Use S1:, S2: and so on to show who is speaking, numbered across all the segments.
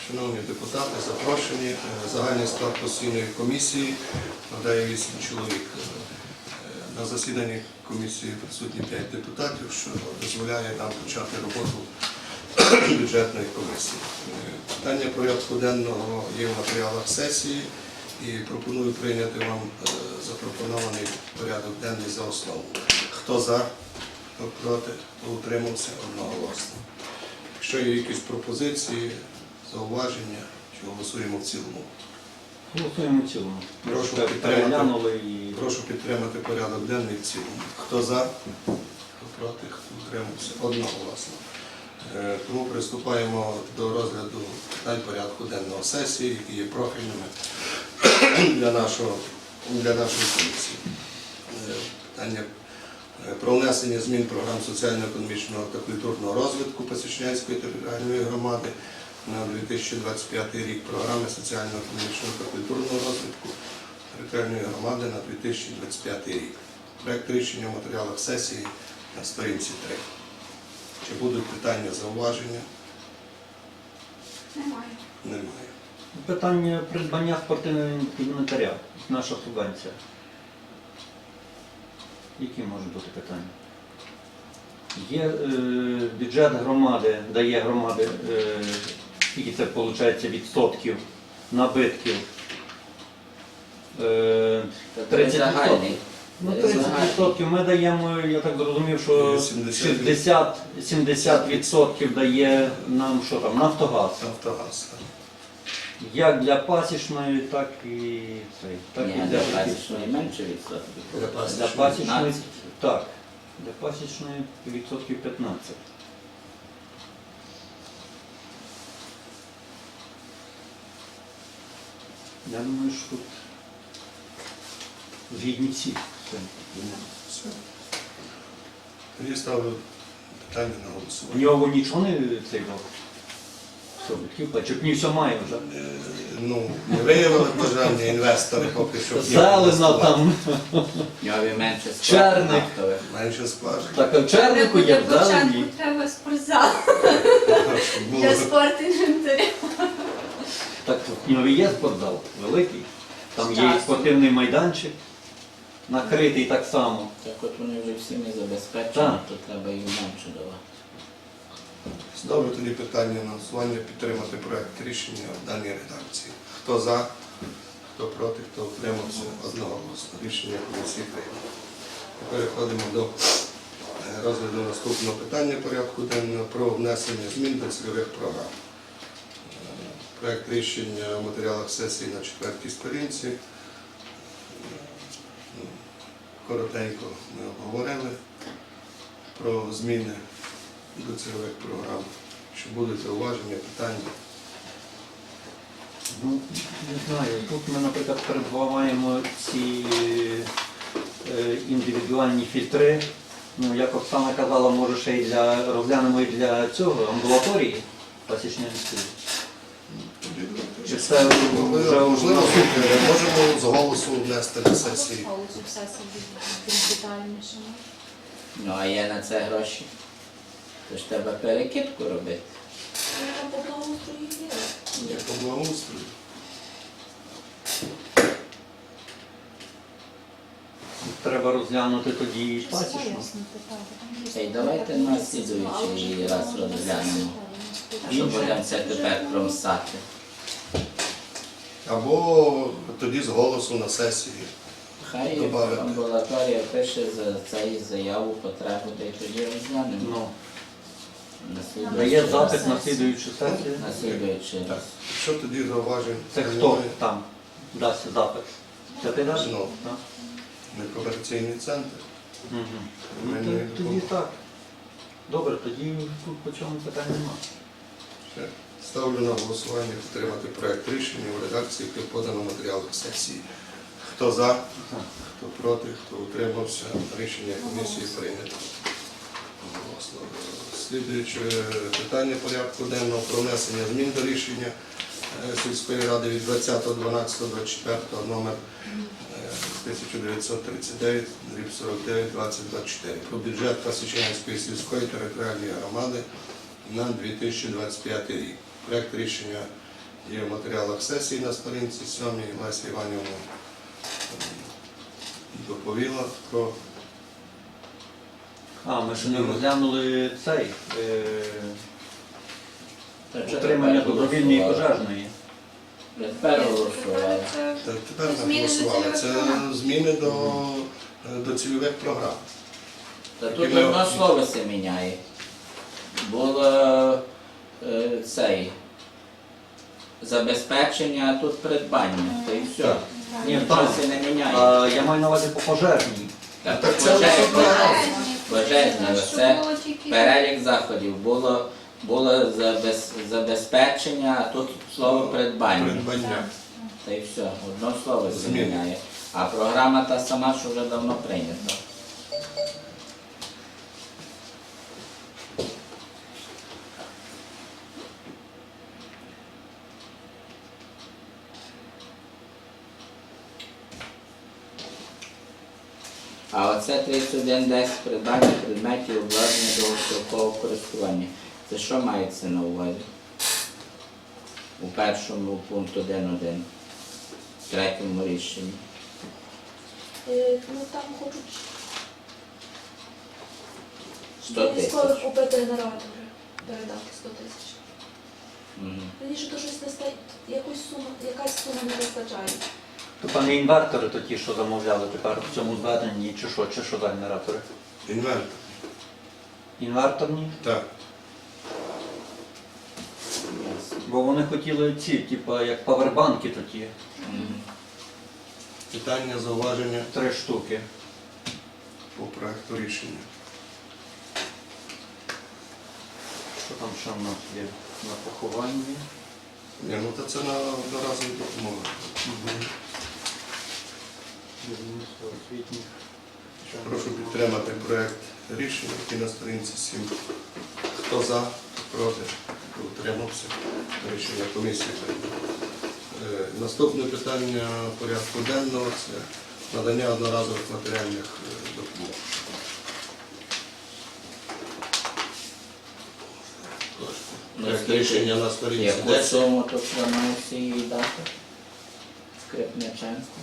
S1: Шановні депутати, запрошені. Загальний склад постійної комісії складає 8 чоловік. На засіданні комісії присутні 5 депутатів, що дозволяє нам почати роботу бюджетної комісії. Питання порядку денного є в матеріалах сесії і пропоную прийняти вам запропонований порядок денний за основу. Хто за, хто проти, хто утримався, одноголосно. Якщо є якісь пропозиції, зауваження, чи голосуємо в цілому?
S2: Голосуємо в цілому.
S1: Прошу підтримати порядок денний в цілому. Хто за, хто проти, хто утримався, одноголосно. Тому приступаємо до розгляду питань порядку денного сесії, які є профільними для нашої комісії. Питання про внесення змін програм соціально-економічного та культурного розвитку Пасічнянської територіальної громади на 2025 рік, програми соціально-економічного та культурного розвитку територіальної громади на 2025 рік. Проект рішення в матеріалах сесії на сторінці 3. Чи будуть питання, зауваження? Немає.
S2: Питання придбання спортивного інвентаря. Наша субвенція. Які можуть бути питання? Є бюджет громади, дає громади, скільки це виходить відсотків набитків? 30%. Ну, 30% ми даємо, я так зрозумів, що 70% дає нам, що там, Нафтогаз.
S1: Нафтогаз.
S2: Як для пасічної, так і цей. Так
S3: Ні,
S2: і
S3: для пасічної менше відсотків.
S2: Для пасічної, так. Для пасічної відсотків 15. Я думаю, що тут згідні всі.
S1: Все. Тоді ставлю питання на
S2: У
S1: голосування.
S2: нього нічого не цей рок. Все, Чупні все має вже.
S1: Ну, не виявили бажання інвестори поки що.
S2: Зелено там,
S3: Ньові менше
S2: Черник.
S3: нафтових.
S1: Менше скважин.
S2: так а в чернику є в зелені.
S4: Треба спортзал
S1: Щоб було
S4: для спорту інвентаря.
S2: Так в нього є спортзал великий. Там є і спортивний майданчик, накритий так само.
S3: Так от вони вже всіми забезпечені,
S2: Так.
S3: то треба їм менше давати.
S1: Ставлю тоді питання на голосування підтримати проект рішення в даній редакції. Хто за, хто проти, хто утримався, одноголосно. Рішення комісії прийнято. Переходимо до розгляду наступного питання порядку денного про внесення змін до цільових програм. Проект рішення в матеріалах сесії на 4-й сторінці. Коротенько ми обговорили про зміни до цільових програм. Чи будуть зауваження, питання?
S2: Ну, не знаю, тут ми, наприклад, передбуваємо ці індивідуальні фільтри. Ну, як Оксана казала, може ще й розглянемо і для цього, амбулаторії Пасічнянської. Чи це вже
S1: Можливо, можемо з голосу внести на сесії.
S4: Голосу в сесії більш детальніше.
S3: Ну а є на це гроші. То ж треба перекидку робити.
S4: Треба по благоустрою діяти.
S1: Як по благоустрою.
S2: треба розглянути тоді і пасічну.
S3: Та й давайте на слідуючий раз розглянемо. Що будемо це тепер промсати.
S1: Або тоді з голосу на сесії.
S3: Хай
S1: Добавити.
S3: амбулаторія пише за цей заяву потребу, та й тоді розглянемо.
S2: Ну,
S3: На слідуючий
S2: дає
S3: раз.
S2: запит на слідуючу сесію.
S3: На слідуючий
S1: Так.
S3: раз.
S1: Що тоді зауважень?
S2: Це хто там дасть запит? Це ти даш?
S1: Ну,
S2: Так.
S1: некомерційний центр.
S2: Мгм. Ну,
S1: Мене
S2: тоді так. Добре, тоді тут по чому питань немає.
S1: Все. Ставлю на голосування підтримати проект рішення у редакції, яке подано в матеріалах сесії. Хто за, хто проти, хто утримався, рішення комісії прийнято. Голосно. Слідуюче питання порядку денного про внесення змін до рішення сільської ради від 20.12.24 номер 1939, 49/2024 про бюджет Пасічнянської сільської територіальної громади на 2025 рік. Проект рішення Є в матеріалах сесії на сторінці 7. Леся Іванівна доповіла про
S2: Ми ще не розглянули цей
S3: Та що
S2: утримання
S3: тепер
S2: добровільної
S3: голосували?
S2: пожежної.
S3: Тепер голосували.
S1: так, тепер ми
S4: Зміни до
S1: голосували.
S4: цільових
S1: Це
S4: програм.
S1: зміни до цільових програм.
S3: Та
S1: Які
S3: тут
S1: ми-
S3: одно слово се міняє. Було цей забезпечення, а тут придбання. Та і все.
S1: Так.
S2: Ні,
S3: Нічого
S2: так.
S3: се не міняє.
S2: Я маю на увазі по пожежній.
S3: Так,
S1: Так це
S3: пожежні, це перелік заходів. Було забезпечення, а тут слово придбання.
S1: Придбання.
S3: Та й все, одно слово се
S1: Зміни.
S3: міняє. А програма та сама, що вже давно прийнята. А оце 3110 придбання предметів обладнання довгострокового користування. Це що мається на увазі? У першому пункту 1.1, в третьому рішенні.
S4: Ну там хочуть
S3: 100 тисяч.
S4: військових купити генератори, передати 100 тисяч.
S3: Мгм.
S4: Раніше то щось не стає, якась сума не вистачає.
S2: То пане інвертори, то ті, що замовляли тепер в цьому зверненні, чи що за генератори?
S1: Інвентар.
S2: Інверторні?
S1: Так.
S3: Ясно.
S2: Бо вони хотіли ці, типу, як павербанки такі,
S3: Мгм.
S1: Питання, зауваження
S2: 3 штуки.
S1: по проекту рішення.
S2: Що там ще в нас є на похованні?
S1: Ні, ну то це на одноразові допомоги.
S2: Будівництво освітніх.
S1: Прошу підтримати проект рішення, який на сторінці 7. Хто за, хто проти, хто утримався. Рішення комісії прийнято. Наступне питання порядку денного – це надання одноразових матеріальних допомог. Проект рішення на сторінці
S3: Яку
S1: 10.
S3: суму тут планується їй дати? Скрипниченко.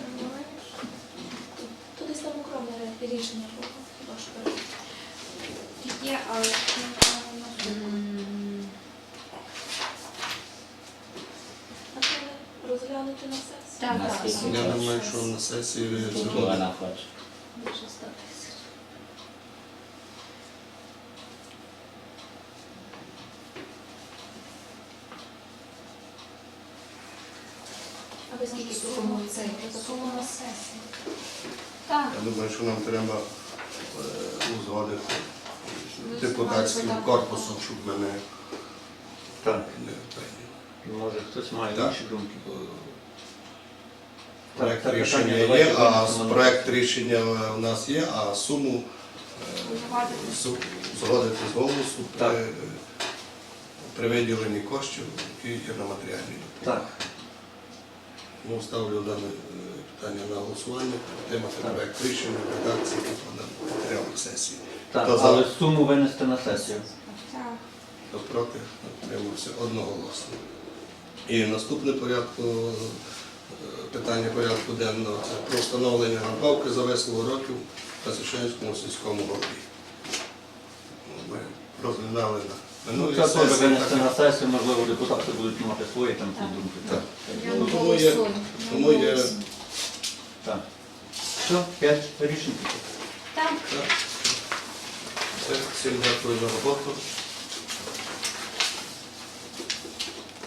S4: То десь там окреме рішення було, хіба що перед.
S5: Є, але
S4: А це розглянути на сесії.
S5: Так,
S3: На
S5: так.
S3: скільки?
S1: Я думаю, що на сесії
S3: Скільки
S1: згодом.
S3: вона хоче?
S4: Більше 100 тисяч. А ви скільки пропонуєте?
S5: сума на сесії. Так.
S1: Я думаю, що нам треба узгодити депутатським корпусом, щоб ми не
S2: Так.
S1: прийняли.
S2: Може хтось має
S1: Так.
S2: інші думки.
S1: Проект
S2: Так,
S1: рішення
S2: питання
S1: є,
S2: давайте
S1: а
S2: винесемо на
S1: проект рішення у нас є, а суму згодити з голосу
S2: Так.
S1: при виділенні коштів, які є на матеріальній допомозі.
S2: Так.
S1: Ну, ставлю дане питання на голосування, підтримати
S2: Так.
S1: проект рішення в редакції, який подано в матеріалах сесії.
S2: Так,
S1: Хто за?
S2: але суму винести на сесію.
S5: Так.
S1: Хто проти, утримався одноголосно. І наступне питання порядку денного – це про встановлення надбавки за весело років на Священському сільському голові. Ми розглядали на
S2: Ну,
S1: минулій
S2: це теж
S1: сесії.
S2: винести
S1: так,
S2: на сесію, можливо, депутати будуть мати свої там ці думки.
S1: Так.
S5: Я
S1: Ну,
S5: не
S1: тому є-
S5: голосую.
S1: тому є-
S2: Так. Все, 5 рішень.
S5: Так.
S1: Так. Все, всім дякую за роботу.